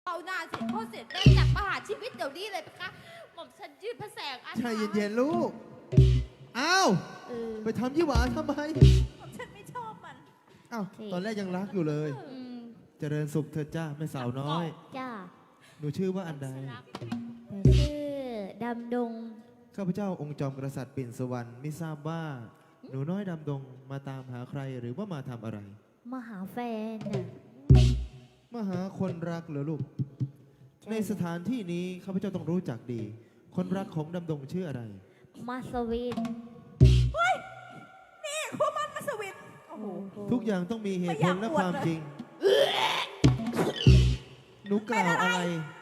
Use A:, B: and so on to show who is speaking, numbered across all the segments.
A: เอาหน้าเสร็จพ่อเสร็จแม่จากประหารชีวิตเดี๋ยวนี้เลยนะคะหม่อมฉันยืนพระแสงอัน
B: ใช่เย็นๆลูก อ้าว ไปทำยี่หวาทำไม
A: ฉันไม่ชอบมัน
B: อ้าว ตอนแรกยังรักอยู่เลย เจริญสุขเธอจ้าแม่สาวน้อย
C: จ้า
B: หนูชื่อว่าอันใด
C: ชื่อดำดง
B: ข้าพเจ้าองค์จอมกษัตริย์ปิ่นสุวรรณไม่ทราบว่า หนูน้อยดำดงมาตามหาใครหรือว่ามาทำอะไร
C: มาหาแฟนน่ะ
B: มาหาคนรักเหรอลูก
C: ใช่
B: ในสถานที่นี้ข้าพเจ้าต้องรู้จักดี คนรักของดำดงชื่ออะไร
C: มาสวิน
A: นี่คู่มันมาสวิตโอ้โห
B: ทุกอย่างต้องมีเหตุผลและความจริง หนูกล่าวอะไร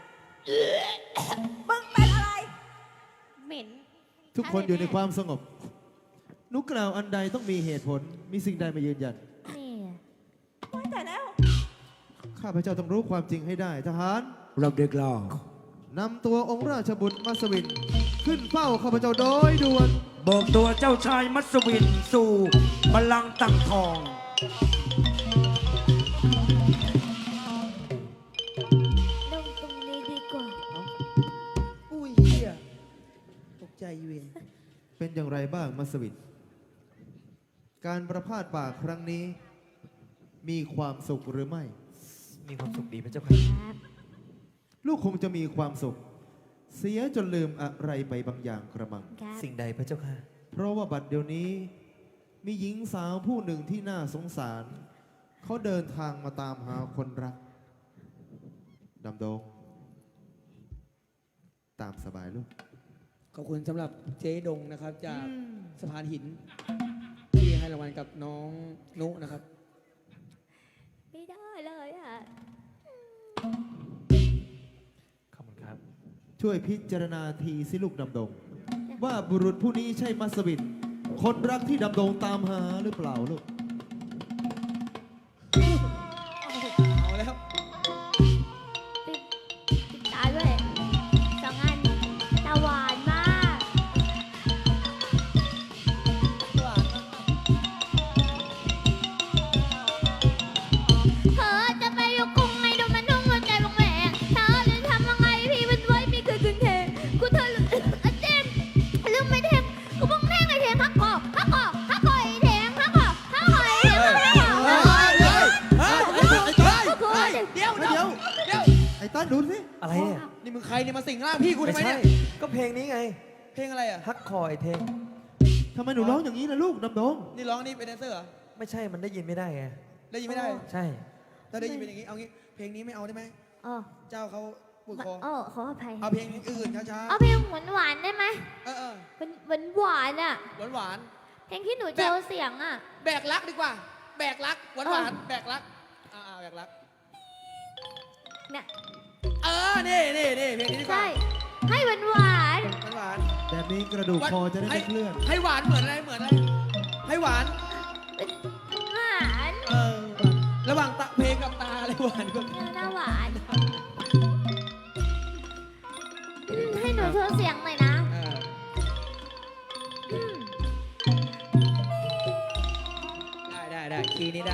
A: มึงเป็นอะไรเหม็น
B: ทุกคนอยู่ในความสงบ หนูกล่าวอันใดต้องมีเหตุผล มีสิ่งใดมายืนยัน
C: นี่
A: ไม่แต่แล้ว
B: ข้าพเจ้าต้องรู้ความจริงให้ได้ทหาร
D: รับเด็กล่อน
B: ำตัวองค์ราชบุตรมัสวิน ขึ้นเฝ้าข้าพเจ้าโดยด่วน
D: เบิกตัวเจ้าชายมัสวินสู่บัลลังก์ตั้งทอง
C: ลงตรงนี้ดีกว่า
E: อุ้ยเฮียตกใจเวย
B: เป็นอย่างไรบ้างมัสวิน การประพาสป่าครั้งนี้ มีความสุขหรือไม่
F: มีความสุขดีพระเจ้าค่ะ
C: ครับ
B: ลูกคงจะมีความสุข เสียจนลืมอะไรไปบางอย่างกระมัง
C: ครับ
F: สิ่งใดพระเจ้าค่ะ
B: เพราะว่าบัดเดี๋ยวนี้ มีหญิงสาวผู้หนึ่งที่น่าสงสาร เขาเดินทางมาตามหาคนรัก ดำดง ตามสบายลูก
E: ขอบคุณสำหรับเจ๊ดงนะครับ จากสะพานหิน ที่ให้รางวัลกับน้องนุนะครับ
C: ไม่ได้เลยอ่ะ
F: ขอบคุณครับ
B: ช่วยพิจารณาทีสิลูกดำดง ว่าบุรุษผู้นี้ใช่มัสวิน คนรักที่ดำดงตามหาหรือเปล่าลูก
E: เอาแล้ว
C: ติดตาด้วยสองอันตาหวานมากเธอจะไปอยู่กรุงไงดูมันนุ่งหัวใจบางแหวงเธอจะทำยังไงพี่มันไว้ไม่เคยคืนเทกูเธอลืมเจมลืมไม่เทงกูบังแทงไอ้เทงฮักคอฮักคอฮักคอไอ้เทงฮักคอฮักคอไอ้เทงฮักคอ
E: เดี๋ยว
B: ไอ้ต้นดูสิ
F: อะไรเนี่ย
E: นี่มึงใครเนี่ยมาสิงร่างพี่กูทำ
F: ไม่
E: ไม
F: ใช่
E: เนี่ย
F: ก็เพลงนี้ไง
E: เพลงอะไรอ่ะ
F: ฮักคอยเทง
B: ทำไมหนูร้องอย่างนี้ล่ะลูกดำดง
E: นี่ร้องนี่เป็นแดนเซอร์เหรอ
F: ไม่ใช่ มันได้ยินไม่ได้ไง
E: ได้ยินไม่ได้
F: ใช่
E: ถ้าได้ยินเป็นอย่างนี้ เอางี้ เพลงนี้ไม่เอาได้ไหม
C: อ๋อ
E: เจ้าเขาปวดคอ
C: ขออภัย
E: เอาเพลงอื่นช้า
C: เอาเพลงหวานๆได้ไหม
E: ๆ เออ
C: หวานอ่ะ
E: หวาน
C: เพลงที่หนูเจอเสียงอ่ะ
E: ๆแบกรักดีกว่า แบกรักหวานๆแบกรักแบกรัก
C: เนี่ย
E: นี่เพลงนี้ดีกว่า
C: ใช่ ให้หวาน
E: หวาน
B: แบบนี้กระดูกคอจะได้ไม่เคลื่อน
E: ให้หวานเหมือนอะไร เหมือนอะไร ให้หวาน
C: หวาน
E: ระหว่างตาเพลงกับตาอะไรหวานกว่า
C: หน้าหวานให้หนูโชว์เสียงหน่อยนะ
E: ได้คีย์นี้ได้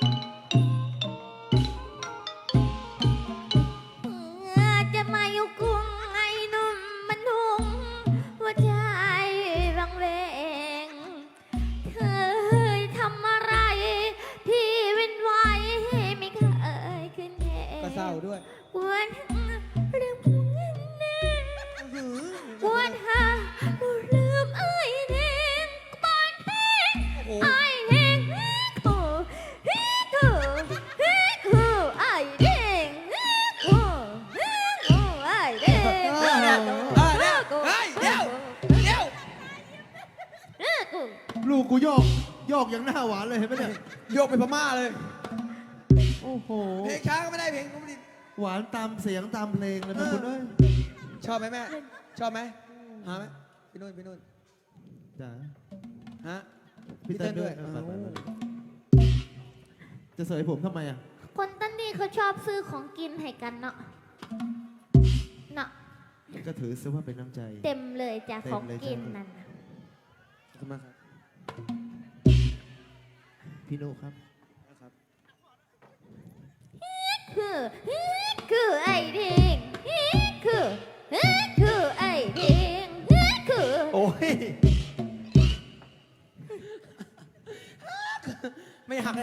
C: จะมาอยู่กรุงไอ้หนุ่มมันหุงหัวใจบางเวงเคยทำอะไรที่เป็นไว้ไม่เคยขึ้นแทน
E: ก็เศร้าด้วย
C: กวนเรื่องพวกนั้นนะกวนหาหนูลืมไอ้เด้งปานเพลง
E: โอ้โห
C: ไอ้เด้งฮูฮิคูฮิคูไอ้เด้งฮูฮิคูไอ้เด้ง
E: เดี๋ยว
B: ลูกกูโยกอย่างหน้าหวานเลยเห็นไหมเนี่ย
E: โยกไปพม่าเลย
B: โอ้โห
E: เพลงช้าก็ไม่ได้เพลงก็ไม่ได้
B: หวานตามเสียงตามเพลงเลยนะคุณเอ้ย
E: ชอบไหมแม่ ชอบไหมหาไหมพี่นุ่น
B: จ้า
E: ฮะ
B: พี่เต้นด้วย
E: พี่เต้นด้วย
B: ไปจะเสยผมทำไมอ่ะ
C: คนตั้นนี่เขาชอบซื้อของกินให้กันเนาะเนาะ
B: ก็ถือซะว่าเป็นน้ำใจ
C: เต็มเลยจ้ะ
B: เต็
C: ข
B: ม
C: อง
B: เลย
C: กิน
B: จ้ะ
C: นั่นน่ะ
E: ขอบคุณมากครับ
B: พี่นุครับ
E: นะครับ
C: คือคือไอ้เด้งคือไอ้เด้งคือ
F: โอ้ย
E: ไม่หักเลย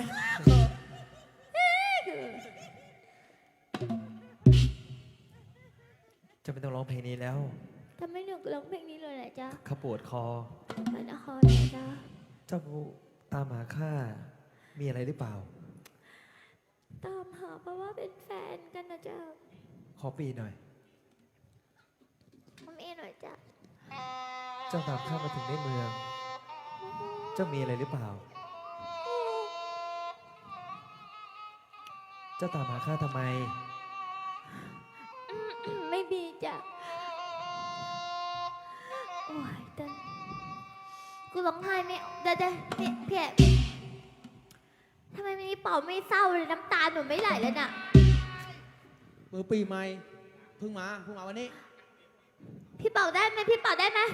F: จะไม่ต้องร้องเพลงนี้แล้ว
C: ทำไมหนูร้องเพลงนี้เลยล่ะจ๊ะ
F: ข้าปวดคอ
C: มันนครเลยจ๊ะ
F: เจ้าตามหาข้ามีอะไรหรือเปล่า
C: ตามหาเพราะว่าเป็นแฟนกันนะจ๊ะ
F: ขอปีหน่อย
C: ทำเองหน่อยจ๊ะ
F: เจ้าตามข้ามาถึงในเมือง เจ้ามีอะไรหรือเปล่า เจ้าตามหาข้าทำไม
C: ไม่มีจ้ะโอ้ยเต้นกูร้องไห้ไม่เดี๋ยวเนี่ยเพียทำไมวันนี้เป่าไม่เศร้าเลยน้ำตาหนูไม่ไหลแล้วน่ะ
E: มือปีใหม่เพิ่งมาวันนี้
C: พี่เป่าได้ไหมพี่เป่าได้ไหม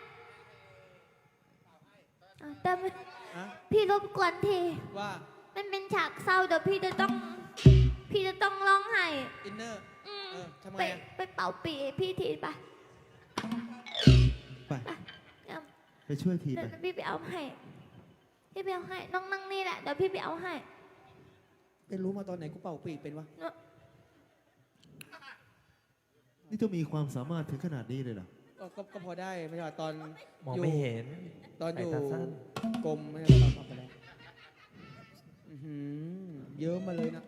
C: ได้ไหม
E: อะ
C: พี่รบกวนที
E: ว่า
C: มันเป็นฉากเศร้าเดี๋ยวพี่จะต้องร้องไห้
E: อินเนอร์
C: อืม
E: ทำไง
C: ไป
E: อะ
C: ไปเป่าปีให้พี่ทีไป
B: ไป
C: เอา
B: ไปช่วยที
C: เดี๋
B: ไป
C: ยวพี่ไปเอาให้พี่ไปเอาให้น้องนั่งนี่แหละเดี๋ยวพี่ไปเอาให้
E: เป็นรู้มาตอนไหนกูเป่าปีกเป็นวะ
B: นี่เจ้ามีความสามารถถึงขนาดนี้เลยเหรอ
E: ก็พอได้ไม่ใช่ว่าตอน
F: มอง
E: ยู่
F: ไม่เห็น
E: ตอนอยู่
F: สายตาสั้น
E: กรมไม่ใช่ตอนออกไปแล้วอื้อหือเยอะมาเลยนะ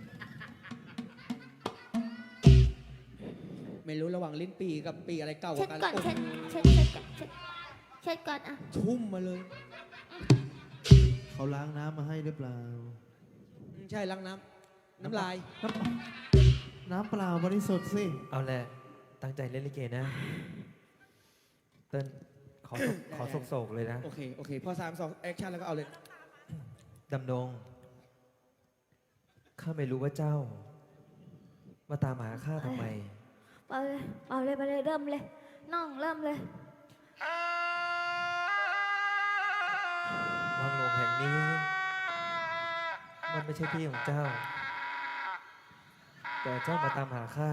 E: ไม่รู้ระหว่างลิ้นปีกับปีอะไรเก่าก
C: เช็
E: ว่า
C: ด
E: กัน
C: ก่อน
E: โอ้
C: เช็ด
E: โห
C: ก่อนเช็ดก่อนอ่ะ
E: ชุ่มมาเลย
B: เขาล้างน้ำมาให้หรือเปล่า
E: ใช่ล้างน้ำน้ำลาย
B: น้ำเปล่าบริสุทธิ์สิ
F: เอาแหละ ตั้งใจเล่นลิเกนะ เติ้ลขอโศกๆเลยนะ
E: โอเคพอ3 2แอคชั่นแล้วก็เอาเลย
F: ดำดง ข้าไม่รู้ว่าเจ้า มาตามหาข้าทำไม
C: เป่าเลยเริ่มเลยน้องเริ่มเลย
F: วังหลวงแห่งนี้ มันไม่ใช่ที่ของเจ้า แต่เจ้ามาตามหาข้า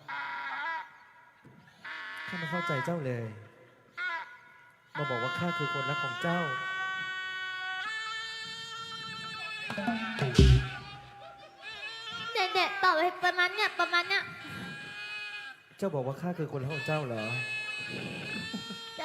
F: ข้าไม่เข้าใจเจ้าเลย มาบอกว่าข้าคือคนรักของเจ้า
C: เด็ดๆเป่าไปประมาณเนี้ย
F: เจ้าบอกว่าข้าคือคนรักของเจ้าเหรอ
C: จะ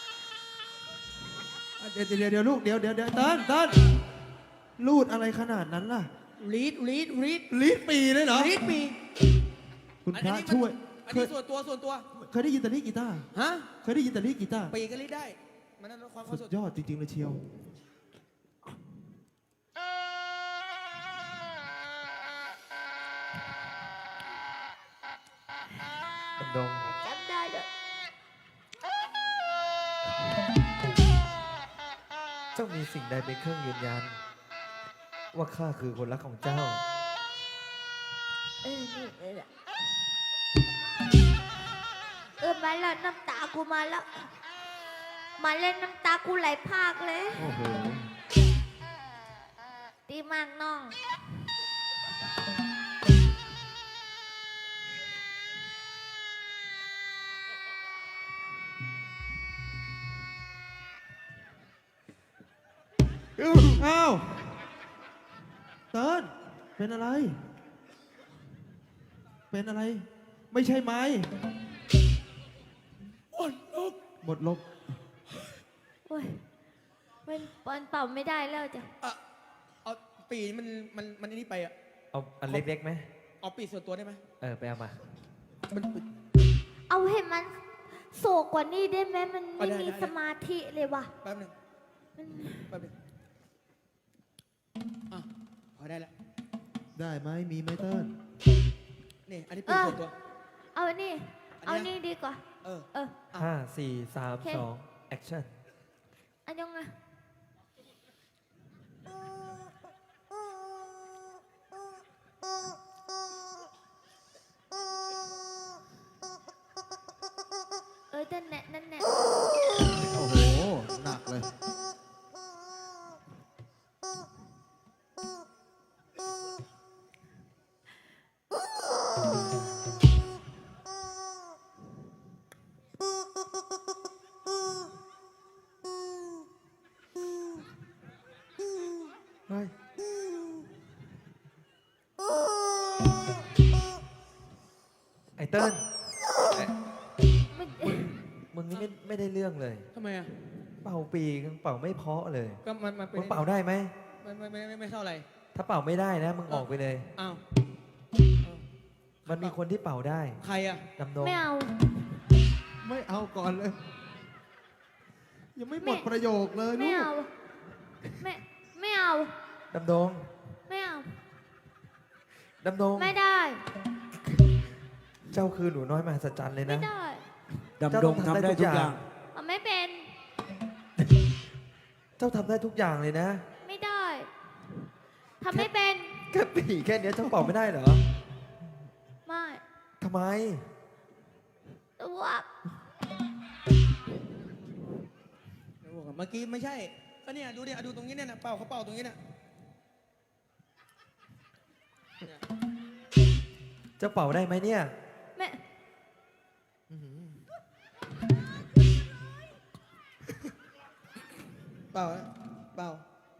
B: เดี๋ยวลูกเดี๋ยวเติ้ลลูดอะไรขนาดนั้นล่ะ
E: รีด
B: ลีดปีเลยเหรอ
E: รีดปี
B: คุณพระ
E: มัน
B: ช่วย
E: อัน
B: เค
E: นี้
B: ย
E: ส่วนตัว
B: เคยได้ยินแต่ลีดกีตาร์
E: ฮะ
B: เคยได้ยินแต่ลีดกีตาร์
E: ปีก็รีดได้ มันนั่นความ
B: สุดยอดจริงๆเลยเชียว
F: ดำดง
C: จำได้เลย
F: เจ้ามีสิ่งใดเป็นเครื่องยืนยัน ว่าข้าคือคนรักของเจ้า
C: นี่เลยแหละมาแล้วน้ำตากูมาแล้ว มาเล่นน้ำตากูไหลพรากเลย
B: โอ้โห
C: ดีมากน้อง
B: อ้าวเติ้ลเป็นอะไร เป็นอะไร ไม่ใช่ไม้หมดลม
C: โอ้ยมันเป่าไม่ได้แล้วจ้ะ
E: เอาปีมันนี่ไปอะ
F: เอาอันเล็กๆไหม
E: เอาปีส่วนตัวได้ไหม
F: ไปเอามา
E: มัน
C: เอาให้มันโศกกว่านี้ได้ไหมมันไม่
E: ได้
C: มี
E: ได้
C: สมาธิเลยว่ะ
E: แป๊บหนึง
C: มัน
E: แป๊บหนึงอ่ะพอได้แล้ว
B: ได้ไหมมีไหมเติ้ล
E: นี่อันนี้ปีส่วนตัว
C: เอานี่
E: อันเนี้ย
C: เอานี่ดีกว่า
E: เออ
C: เออ
F: 5 4 3
C: โอเค
F: 2 action
C: อันยังไงนั่นแหละ
B: โอ้โห หนักเลย
C: เ
F: อ้เติ้ล
C: ไม่
F: มึงนี่ไม่ได้เรื่องเลย
E: ทำไมอ่ะ
F: เป่าปีกเป่าไม่เพราะเลย
E: ก็มันเป็น
F: มึงเป่าได้ไหม
E: ไม่เท่าไหร่
F: ถ้าเป่าไม่ได้นะ มึงออกไปเลย
E: อ้าว
F: มันมีคนที่เป่าได้
E: ใครอ่ะ
F: ดำดง
C: ไม่เอา
B: ไม่เอาก่อนเลย ยังไม่หมดประโยคเลย
C: ไม่
B: ลูก
C: เอาไม่เอา
F: ดำดง
C: ไม่เอา
F: ดำดง
C: ไม่ได้
F: เจ้าคือหนูน้อยมหัศจรรย์เลย
C: ไม่
F: นะ
C: ได้
D: ดำดงทำได้ทุกอย่าง
C: มันไม่เป็น
F: เจ้าทำได้ทุกอย่างเลยนะ
C: ไม่ได้ทำไม่เป็น
F: แค่ปีกแค่เนี้ยเจ้าเป่าไม่ได้เหรอ
C: ไม่
F: ทำไม
C: ตัว
E: เมื่อกี้ไม่ใช่ ก็เนี่ยดูดิดูตรงนี้เนี่ยนะเป่าเขาเป่าตรงนี้เนี่ย
F: เจ้าเป่าได้ไหมเนี่ย
C: ไม่
E: เป่าเป่า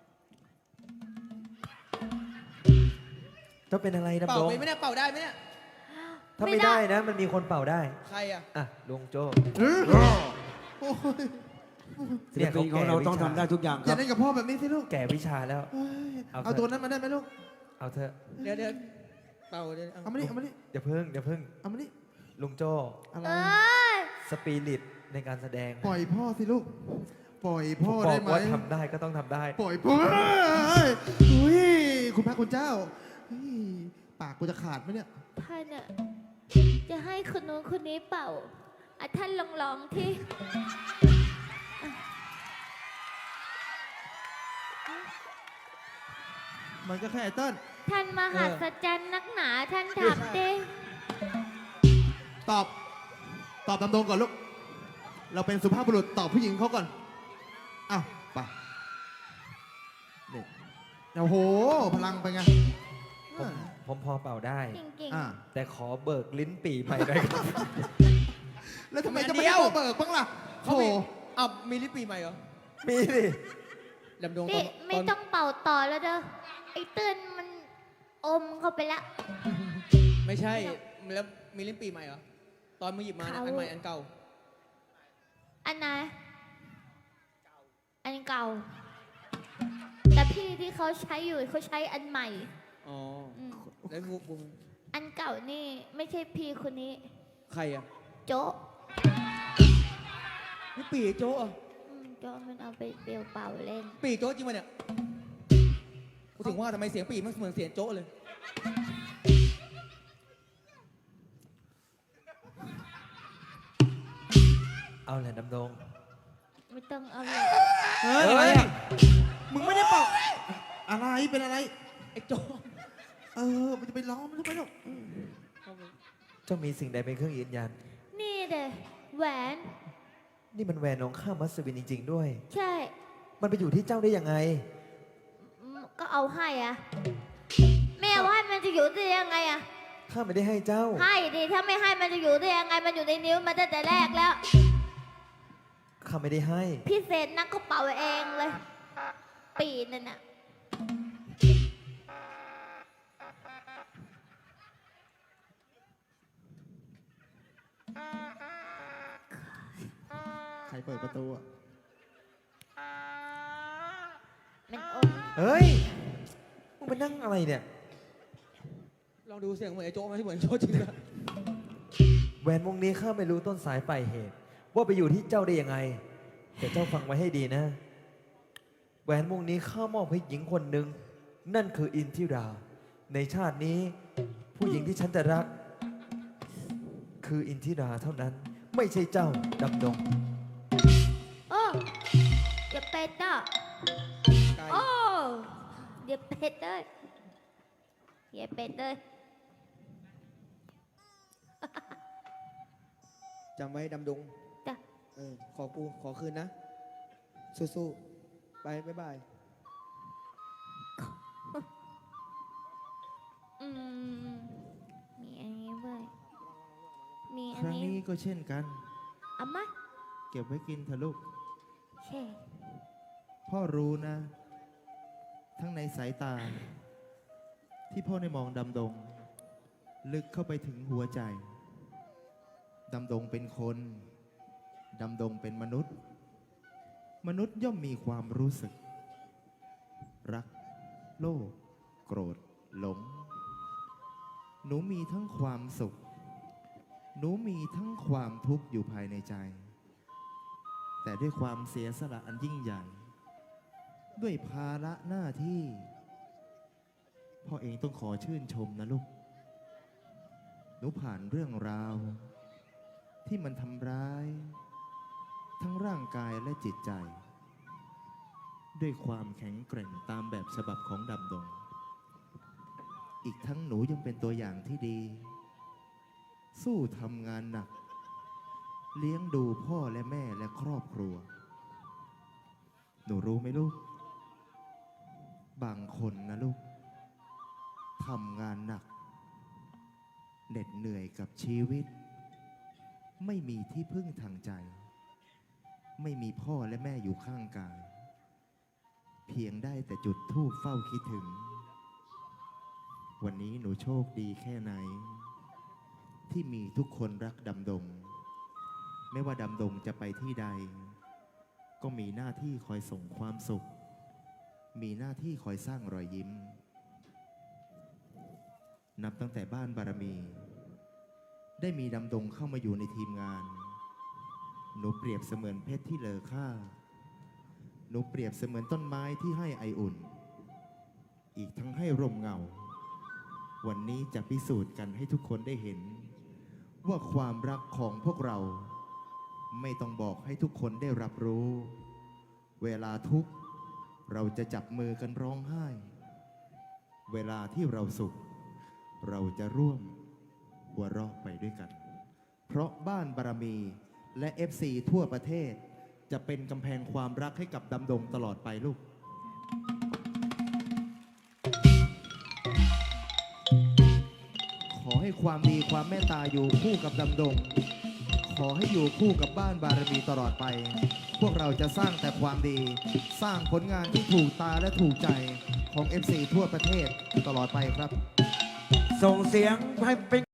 F: เจ้าเป็นอะไร
E: เป่า
F: ดำดง
E: ไปไม่ได้เป่าได้ไหมเนี่ย
F: ถ้าไม่ได้นะ มันมีคนเป่าได้
E: ใครอ่ะ
F: อ่ะลุงโจ้
B: โอ้ย
D: ศิลปินของเราต้องทำได้ทุกอย่าง
B: อ
D: ค
B: ย่า
D: รับ
B: เล่นกับพ่อแบบนี้สิลูก
F: แก่วิชาแล้ว
B: เฮ้ย
F: เอาเถอะ
B: เอาตัวนั้นมาได้ไหมลูก
F: เอาเถอะ
E: เดี๋ยวเป่าเดี๋ยว
B: เอามานี่เอามานี่
F: อย่าเพิ่ง
B: เอามานี่
F: ลุงโจ้
B: อะไร
C: เอ้ย
F: สปิริตในการแสดง
B: ปล่อยพ่อสิลูก ปล่อยพ่อ
F: บอก
B: ได้ไหม
F: ว่าทำได้ก็ต้องทำได้
B: ปล่อยพ่ออุ้ยคุณพระคุณเจ้าเฮ้ยปากกูจะขาดไหมเนี่ย
C: ท่านอะจะให้คนนู้นคนนี้เป่าอ่ะท่านลองที่
B: มันก็แค่ไอ้เติ้ล
C: ท่านมหัศจรรย์นักหนาท่านทำดิ
B: ตอบตามตรงก่อนลูก เราเป็นสุภาพบุรุษตอบผู้หญิงเขาก่อน อ้าวไปนี่โอ้โห พลังไปไง
F: ผมพอเป่าได้
C: จริง
B: อ่า
F: แต่ขอเบิกลิ้นปี่ใหม่หน่อยครับ
B: แล้วทำไมจะไม่ได้ตัวเบิกบ้างล่ะ
E: เขา
B: โอ้
E: มี
B: โห
E: อ้าวมีลิปปีใหม่เหรอ
F: มีดิ
E: ดำดง
C: ๆ
E: ต
C: นี่
E: อน
C: ไม่ต้องเป่าต่อแล้วเด้อไอ้เตือนมันอมเข้าไปละ
E: ไม่ใช่แล้วมีลิปปีใหม่เหรอ ตอนมึงหยิบมาเนี่ยอันใหม่อันเก่า
C: อันไหนอันเก่า แต่พี่ที่เขาใช้อยู่เขาใช้อันใหม่
E: อ๋อ
C: อืม
E: แล้วกู
C: อันเก่านี่ไม่ใช่พี่คนนี้
E: ใครอ่ะ
C: โจ๊ะ
E: นี่ปีโจ๊ะเหรอ
C: โจ๊ะมันเอาไปเปลี่ยวเป่าเล่น
E: ปีโจ๊ะจริงปะเนี่ยกูถึงว่าทำไมเสียงปีมันเหมือนเสียงโจ๊ะเลย
F: เอาแหละดำดง
C: ไม่ต้องเอาเลย
B: เฮ้ยอะไรอ่ะมึงไม่ได้เป่าอะไรเป็นอะไร
E: ไอ้โจ๊ะ
B: มันจะไปล้อมมันทำไมลูก
F: เจ้ามีสิ่งใดเป็นเครื่องยืนยัน
C: นี่เด้แหวน
F: นี่มันแหวนของข้ามัสวินจริง ๆ ด้วย
C: ใช่
F: มันไปอยู่ที่เจ้าได้ยังไง
C: ก็เอาให้อะแม่เอาให้มันจะอยู่ได้ยังไงอะ
F: ข้าไม่ได้ให้เจ้า
C: ให้ดิถ้าไม่ให้มันจะอยู่ได้ยังไงมันอยู่ในนิ้วมาตั้งแต่แรกแล้ว
F: ข้าไม่ได้ให้
C: พี่เศษนักก็เป่าเองเลย ปีนั่นน่ะ
B: ใครเปิดประตูอ่ะ
C: มันอม
F: เฮ้ย มึงไปนั่งอะไรเนี่ย
E: ลองดูเสียงเหมือนไอ้โจ๊ะไหมที่เหมือนโจ๊ะจริงนะ
F: แหวนวงนี้ข้าไม่รู้ต้นสายปลายเหตุ ว่าไปอยู่ที่เจ้าได้ยังไง แต่เจ้าฟังไว้ให้ดีนะ แหวนวงนี้ข้ามอบให้หญิงคนหนึ่งนั่นคืออินทิรา ในชาตินี้ ผู้หญิงที่ฉันจะรัก คืออินทิราเท่านั้น ไม่ใช่เจ้าดำดง
C: โอ้อย่าเป็ดอ่ะ
E: ไกล
C: โอ้อย่าเป็ดเลยอย่าเป็ดเลย
E: จำไว้ดำดง
C: จ้ะ
E: ขอคืนนะ สู้ๆ ไปบ๊ายบาย
C: อืมมีอันนี้ด้วยมี
B: ค
C: อัน
B: รั้ง
C: นี้
B: นี้ก็เช่นกัน
C: เอามา
B: เก็บไว้กินเถอะลูก
C: เช่
B: พ่อรู้นะ ทั้งในสายตา ที่พ่อได้มองดำดง ลึกเข้าไปถึงหัวใจดำดงเป็นคน ดำดงเป็นมนุษย์ มนุษย์ย่อมมีความรู้สึก รัก โลภ โกรธ หลง หนูมีทั้งความสุข หนูมีทั้งความทุกข์อยู่ภายในใจ แต่ด้วยความเสียสละอันยิ่งใหญ่ ด้วยภาระหน้าที่ พ่อเองต้องขอชื่นชมนะลูก หนูผ่านเรื่องราว ที่มันทำร้าย ทั้งร่างกายและจิตใจ ด้วยความแข็งแกร่งตามแบบฉบับของดำดง อีกทั้งหนูยังเป็นตัวอย่างที่ดี สู้ทำงานหนัก เลี้ยงดูพ่อและแม่และครอบครัว หนูรู้ไหมลูก บางคนนะลูกทำงานหนักเหน็ดเหนื่อยกับชีวิต ไม่มีที่พึ่งทางใจ ไม่มีพ่อและแม่อยู่ข้างกาย เพียงได้แต่จุดธูปเฝ้าคิดถึง วันนี้หนูโชคดีแค่ไหน ที่มีทุกคนรักดำดง ไม่ว่าดำดงจะไปที่ใด ก็มีหน้าที่คอยส่งความสุข มีหน้าที่คอยสร้างรอยยิ้ม นับตั้งแต่บ้านบารมี ได้มีดำดงเข้ามาอยู่ในทีมงาน หนูเปรียบเสมือนเพชรที่เลอค่า หนูเปรียบเสมือนต้นไม้ที่ให้ไออุ่น อีกทั้งให้ร่มเงา วันนี้จะพิสูจน์กันให้ทุกคนได้เห็น ว่าความรักของพวกเราไม่ต้องบอกให้ทุกคนได้รับรู้ เวลาทุกข์เราจะจับมือกันร้องไห้ เวลาที่เราสุข เราจะร่วมหัวเราะไปด้วยกัน เพราะบ้านบารมีและ FC ทั่วประเทศจะเป็นกำแพงความรักให้กับดำดงตลอดไปลูก ขอให้ความดีความเมตตาอยู่คู่กับดำดง ขอให้อยู่คู่กับบ้านบารมีตลอดไป พวกเราจะสร้างแต่ความดี สร้างผลงานที่ถูกตาและถูกใจของ FC ทั่วประเทศตลอดไปครับ
D: ส่งเสียงให้เป็น